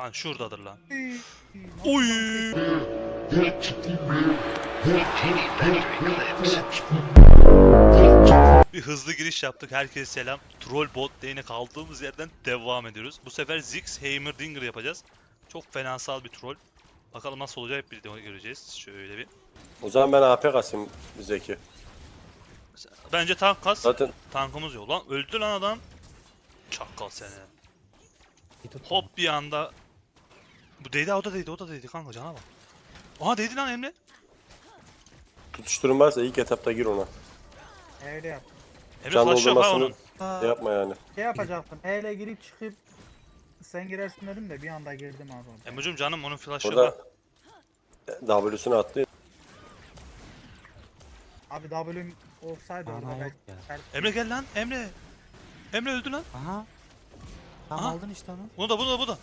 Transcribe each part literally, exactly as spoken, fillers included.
Lan şuradadır lan. Oy. Bir hızlı giriş yaptık. Herkese selam. Troll bot lane'e kaldığımız yerden devam ediyoruz. Bu sefer Ziggs Heimerdinger yapacağız. Çok fenasal bir troll. Bakalım nasıl olacak hep birlikte göreceğiz. Şöyle bir. O zaman ben A P kasayım Zeki. Bence tank kas. Zaten Tankımız yok. Lan öldü lan adam. Çakal seni. Hop bir anda. Bu değdi, o da değdi, o da değdi kanka, cana bak. Aha değdi lan Emre. tutuşturun varsa ilk etapta gir ona. Öyle yap. Emre Can flash yok ha onun. doldurmasını şey yapma yani. Şey yapacaktım. E ile girip çıkıp sen girersin dedim de bir anda girdim abi. Emre'cim canım onun flash yok Orada ha. W'sunu attı. Abi W'm olsaydı Ana orada yok belki. ya. Her- Emre gel lan Emre. Emre öldü lan. Aha. Tam Aha. aldın işte onu. Bunu da, bunu da, bu da.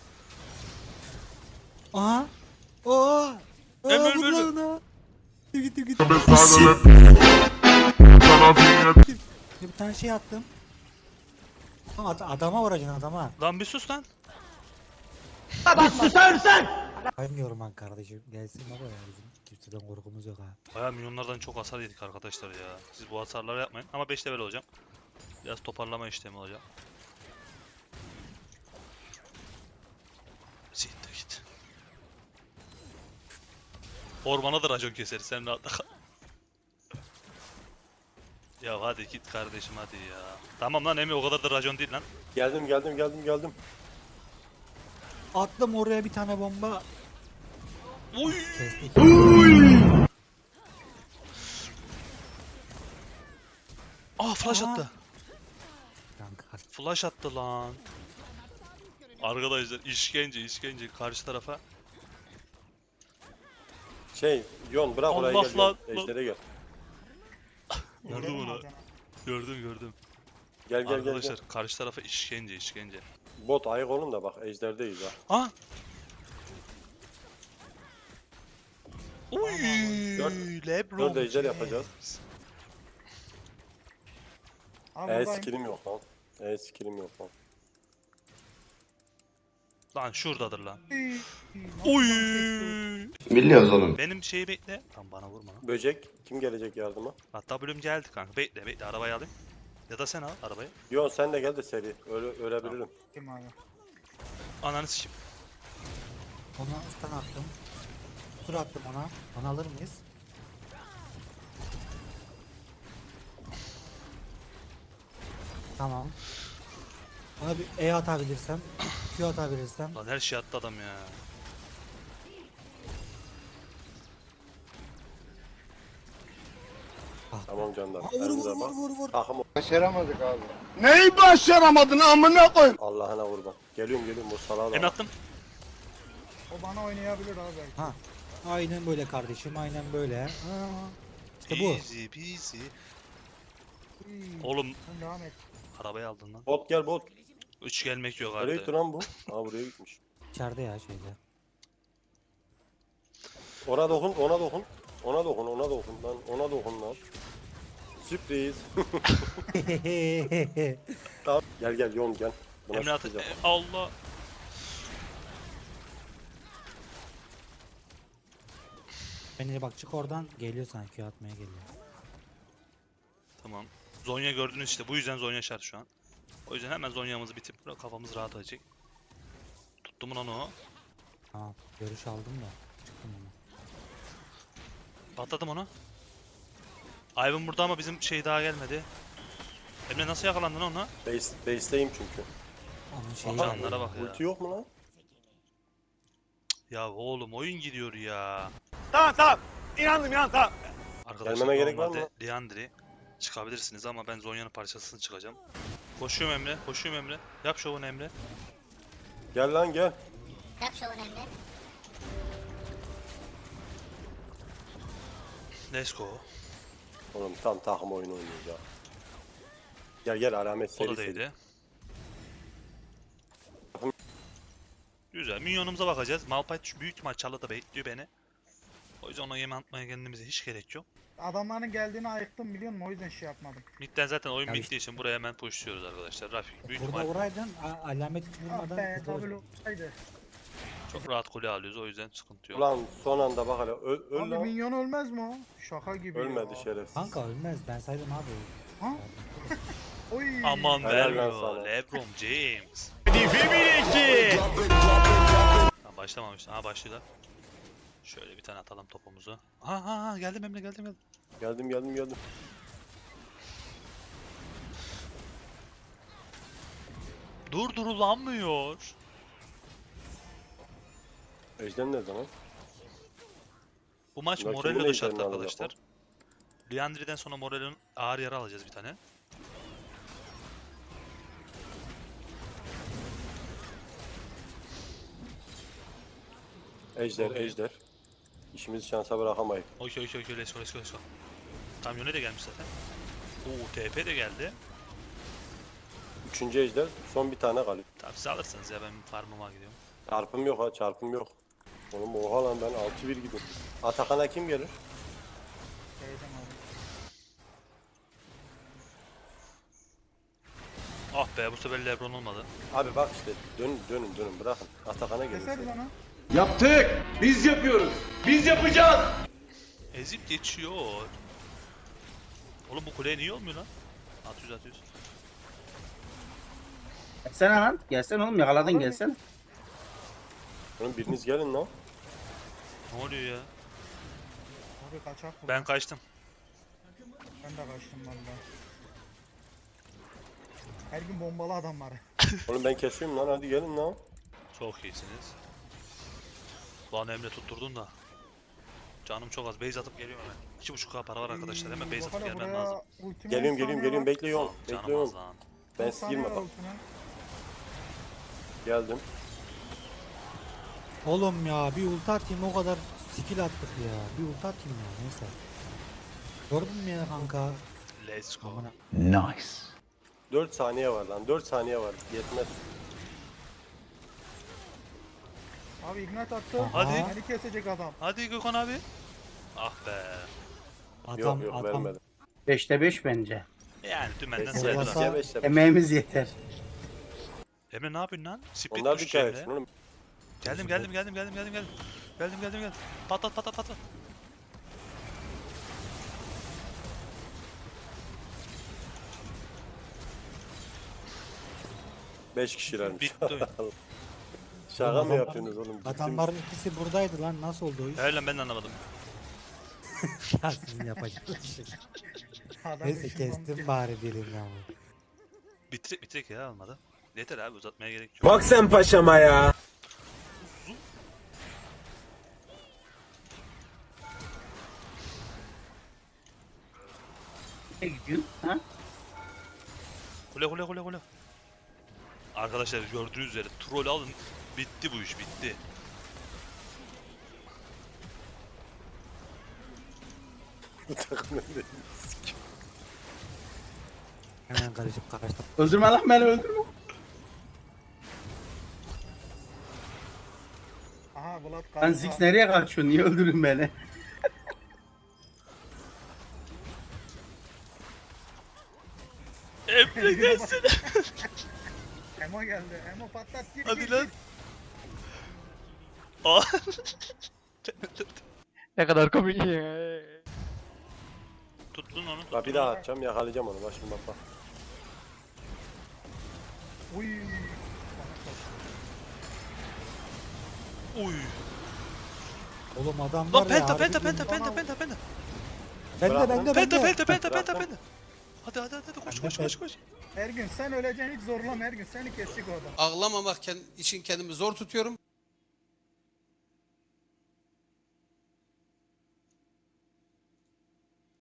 Aha. Oo. Emre, Aa, Emre, vur Emre. lan ona. Git git git. Bir tane şey attım. Ama ad- adama vuracaksın adama. Lan bir sus lan. Kaymıyorum ben kardeşim. Gelsin baba ya bizim kimseden korkumuz yok ha. Bayağı milyonlardan çok hasar yedik arkadaşlar ya. Siz bu hasarları yapmayın. Ama beş level olacağım. Biraz toparlama işlemi olacak. Siktir git. Ormana da racon keseriz, sen rahatla kal. Ya hadi git kardeşim hadi ya. Tamam lan Emre, o kadar da racon değil lan. Geldim geldim geldim geldim. Attım oraya bir tane bomba. Oy! Kestik. Ah flash Aha. attı. Kanka. Flash attı lan. Arkadaşlar işkence işkence karşı tarafa. Şey Yon bırak orayı Allah gel. lan, Yon. lan. Ejder'e gel. Gördüm Girelim onu. abi. Gördüm gördüm. Gel gel gel. Arkadaşlar gel. karşı tarafa işkence işkence. Bot ayık olun da bak Ejder'deyiz ha. Ah! Oy! Dört- Lebron. Dört ejder James. yapacağız. Abi E buradayım. skillim yok lan. E skillim yok lan. Lan şuradadır lan. Nasıl Oy! konuşuyorsun? Biliyoruz oğlum. Benim şeyi bekle. Tam bana vurma lan. Böcek kim gelecek yardıma? Hatta bölüm geldi kanka. Bekle bekle, arabayı alayım. Ya da sen al arabayı. Yon sen de gel de seri. Öyle ölebilirim. Kim abi? Ananı sikeyim. Ona stun attım. Tur attım ona. Onu alır mıyız? Tamam. Ona bir E atabilirsem, Q atabilirsem. Lan her şey attı adam ya. Tamam canlar. Aa, vur Elinize vur vur bak. vur vur. Takım Başaramadık abi. Neyi başaramadın amına koyayım? Allah'ına kurban. Geliyorum geliyorum bu salağa da Emre bak. attım. O bana oynayabilir abi belki. Ha. Aynen böyle kardeşim, aynen böyle. Aa, işte bu. Easy peasy. Oğlum Sen devam et. arabayı aldın lan. Bot gel bot. Üç gelmek yok Nereye gitti harbiden. lan bu? Aa buraya gitmiş. İçeride ya şeyde. Ona dokun ona dokun. Ona dokun ona dokun lan. Ona dokun lan. Sürpriz. Tamam. Gel gel Yon gel. Buna Emre attı. sıkacağım. E, Allah. Beni bak çık oradan, geliyor sanki Q atmaya geliyor. Tamam. Zonya gördünüz işte. Bu yüzden Zonya şart şu an. O yüzden hemen Zonya'mızı bitip kafamız rahat edecek. Tuttum lan o. Tamam, görüş aldım da çıktım ona. Patladım onu. Ivan burada ama bizim şey daha gelmedi. Emre nasıl yakalandın ona? Base, base'teyim çünkü. Onun şeyi Aha. Canlara bak ya. Ulti yok mu lan? Ya oğlum oyun gidiyor ya. Tamam tamam. İnandım inan tamam. Arkadaşlar Gelmeme gerek var normalde mı? Leandri çıkabilirsiniz ama ben Zonya'nın parçasını çıkacağım. Koşuyorum Emre, koşuyorum Emre. Yap şovunu Emre. Gel lan gel. Yap şovunu Emre. Let's go. Oğlum tam takım oyunu oynuyoruz ya. Gel gel alamet O seri da seri. değdi. Güzel. Minyonumuza bakacağız. Malphite büyük ihtimal çalıda bekliyor beni. O yüzden ona yem atmaya kendimize hiç gerek yok. Adamların geldiğini ayıktım biliyor musun? O yüzden şey yapmadım. Mid'den zaten oyun Ya bittiği işte- için buraya hemen pushluyoruz arkadaşlar. Rafik büyük Burada ihtimal. vuraydın, a- alamet hiç Ah vurmadan be hızlı W olacak. olsaydı. Çok rahat kule alıyoruz o yüzden sıkıntı yok. Ulan son anda bak hele. Öl, öl Abi lan. minyon ölmez mi o? Şaka gibi Ölmedi ya. şerefsiz. Kanka ölmez ben saydım abi. Ha? Oy. Aman Helal lan vermiyor. sana. LeBron James. Ha, başlamamış. Ha başlıyorlar. Şöyle bir tane atalım topumuzu. Ha ha ha geldim Emre geldim geldim. Geldim geldim geldim. Durdurulamıyor. Ejder nerede lan? Bu maç Bunlar Morello kimin da şart ejderini alacak arkadaşlar. Liandry'den sonra Morello'nun ağır yara alacağız bir tane. Ejder Okey. ejder. İşimizi şansa bırakamayız. Okey okey okey let's go let's go let's go. Kamyona da gelmiş zaten. Oo T P de geldi. Üçüncü ejder. Son bir tane kalıyor. Tamam siz alırsınız ya ben farmıma gidiyorum. Çarpım yok ha çarpım yok. Oğlum oha lan ben altı bir gidiyorum. Atakan'a kim gelir? Şeyden abi. Ah be bu sefer LeBron olmadı. Abi bak işte dönün dönün dönün bırakın. Atakan'a gelir. Keseriz onu. Yaptık. Biz yapıyoruz. Biz yapacağız. Ezip geçiyor. Oğlum bu kuleye niye olmuyor lan? altı yüz altı yüz. Gelsene lan. Gelsene oğlum yakaladın gelsene. Oğlum biriniz gelin lan. Ne oluyor ya? Abi kaçak bu. Ben kaçtım. Ben de kaçtım valla. Her gün bombalı adam var. Oğlum ben kesiyorum lan hadi gelin lan. Çok iyisiniz. Lan Emre tutturdun da. Canım çok az. Base atıp geliyorum hemen. iki buçuk K para var arkadaşlar. Hemen base atıp Bakala gelmem buraya lazım. ultime Geliyorum on geliyorum saniye geliyorum var. bekliyorum. Canım az Bekliyorum. lan. Ben on siz saniye girme var bak. ultime. Geldim. Oğlum ya bir ulti atayım o kadar skill attık ya. Bir ulti atayım ya neyse. Gördün mü ya kanka? Let's go. Amına. dört saniye var lan dört saniye var. Yetmez. Abi ignite attı. Hadi. Beni kesecek adam. Hadi Gökhan abi. Ah be. Adam Yok yok adam vermedim. beşte beş bence. Yani dümenden Beşte sayılır. Olmasa- beşte beşte beş. Emeğimiz yeter. Emre ne yapıyorsun lan? Split Onlar düşüş dikkat Emre. etsin oğlum. Geldim geldim geldim geldim geldim geldim. Geldim geldim geldim. Patlat patlat patlat. beş kişilermiş. Bitti oyun. Şaka mı Adamlar- yapıyorsunuz oğlum? Ciddi Adamların ikisi buradaydı lan nasıl oldu o iş? Hayır lan ben de anlamadım. Ya sizin yapacağınız şey. Adam Neyse ışınlanmış kestim ya. bari birini ama. Bitirek bitirek ya olmadı. Yeter abi uzatmaya gerek yok. Bak sen paşama ya. Ne gidiyorsun? Ha? Kule kule kule kule. Arkadaşlar gördüğünüz üzere troll alın. Bitti bu iş bitti. Bu takım öyle. Hemen karışıp kaçtım. Öldürme lan beni öldürme. Aha Vlad Lan kaldı. Ziggs nereye kaçıyor? Niye öldürün beni? Emre gelsin. Emo geldi. Emo patlat gir Hadi gir, lan. gir. Aa. Ne kadar komik ya. Tuttun onu. Bak Tuttun bir daha onu. atacağım yakalayacağım onu. Bak şimdi bak bak. Uy. Uy. Oğlum adam Lan var ya. penta harbi penta gün- penta penta penta penta. Bende Bırak bende lan. Penta bende. penta penta penta Bırak penta. Hadi hadi hadi koş Ben koş de koş koş. Ergün sen öleceksin hiç zorlama Ergün seni kesecek o adam. Ağlamamak ken- için kendimi zor tutuyorum.